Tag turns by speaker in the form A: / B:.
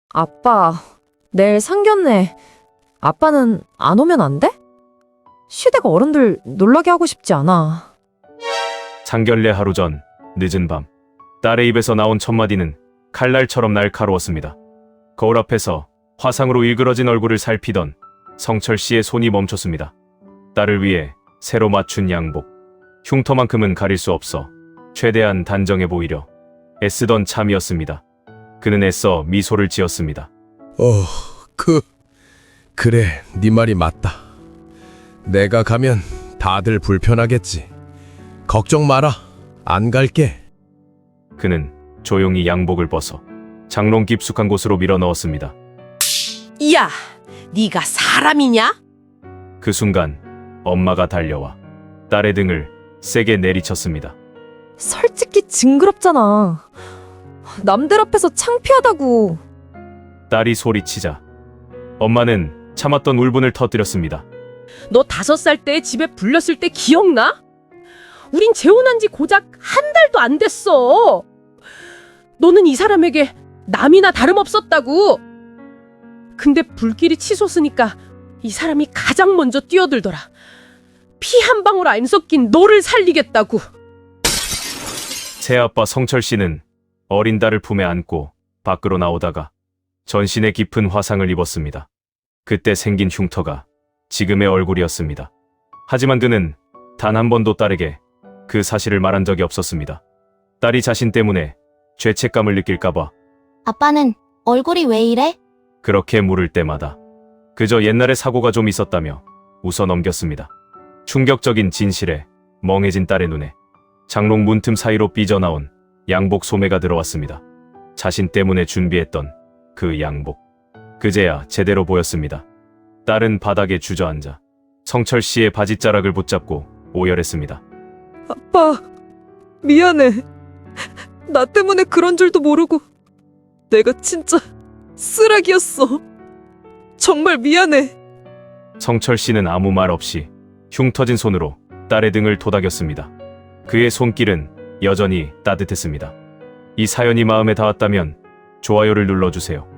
A: 아빠, 내일 상견례. 아빠는 안 오면 안 돼? 시댁 어른들 놀라게 하고 싶지 않아.
B: 상견례 하루 전 늦은 밤 딸의 입에서 나온 첫마디는 칼날처럼 날카로웠습니다. 거울 앞에서 화상으로 일그러진 얼굴을 살피던 성철 씨의 손이 멈췄습니다. 딸을 위해 새로 맞춘 양복. 흉터만큼은 가릴 수 없어 최대한 단정해 보이려 애쓰던 참이었습니다. 그는 애써 미소를 지었습니다.
C: 그래, 네 말이 맞다. 내가 가면 다들 불편하겠지. 걱정 마라. 안 갈게.
B: 그는 조용히 양복을 벗어 장롱 깊숙한 곳으로 밀어 넣었습니다.
D: 야, 네가 사람이냐?
B: 그 순간 엄마가 달려와 딸의 등을 세게 내리쳤습니다.
A: 솔직히 징그럽잖아. 남들 앞에서 창피하다고.
B: 딸이 소리치자 엄마는 참았던 울분을 터뜨렸습니다.
D: 너 5살 때 집에 불렸을 때 기억나? 우린 재혼한 지 고작 한 달도 안 됐어. 너는 이 사람에게 남이나 다름없었다고. 근데 불길이 치솟으니까 이 사람이 가장 먼저 뛰어들더라. 피 한 방울 안 섞인 너를 살리겠다고.
B: 새아빠 성철 씨는 어린 딸을 품에 안고 밖으로 나오다가 전신에 깊은 화상을 입었습니다. 그때 생긴 흉터가 지금의 얼굴이었습니다. 하지만 그는 단 한 번도 딸에게 그 사실을 말한 적이 없었습니다. 딸이 자신 때문에 죄책감을 느낄까봐
E: 아빠는 얼굴이 왜 이래?
B: 그렇게 물을 때마다 그저 옛날에 사고가 좀 있었다며 웃어 넘겼습니다. 충격적인 진실에 멍해진 딸의 눈에 장롱 문틈 사이로 삐져나온 양복 소매가 들어왔습니다. 자신 때문에 준비했던 그 양복. 그제야 제대로 보였습니다. 딸은 바닥에 주저앉아 성철 씨의 바지자락을 붙잡고 오열했습니다.
A: 아빠, 미안해. 나 때문에 그런 줄도 모르고. 내가 진짜 쓰레기였어. 정말 미안해.
B: 성철 씨는 아무 말 없이 흉 터진 손으로 딸의 등을 토닥였습니다. 그의 손길은 여전히 따뜻했습니다. 이 사연이 마음에 닿았다면 좋아요를 눌러주세요.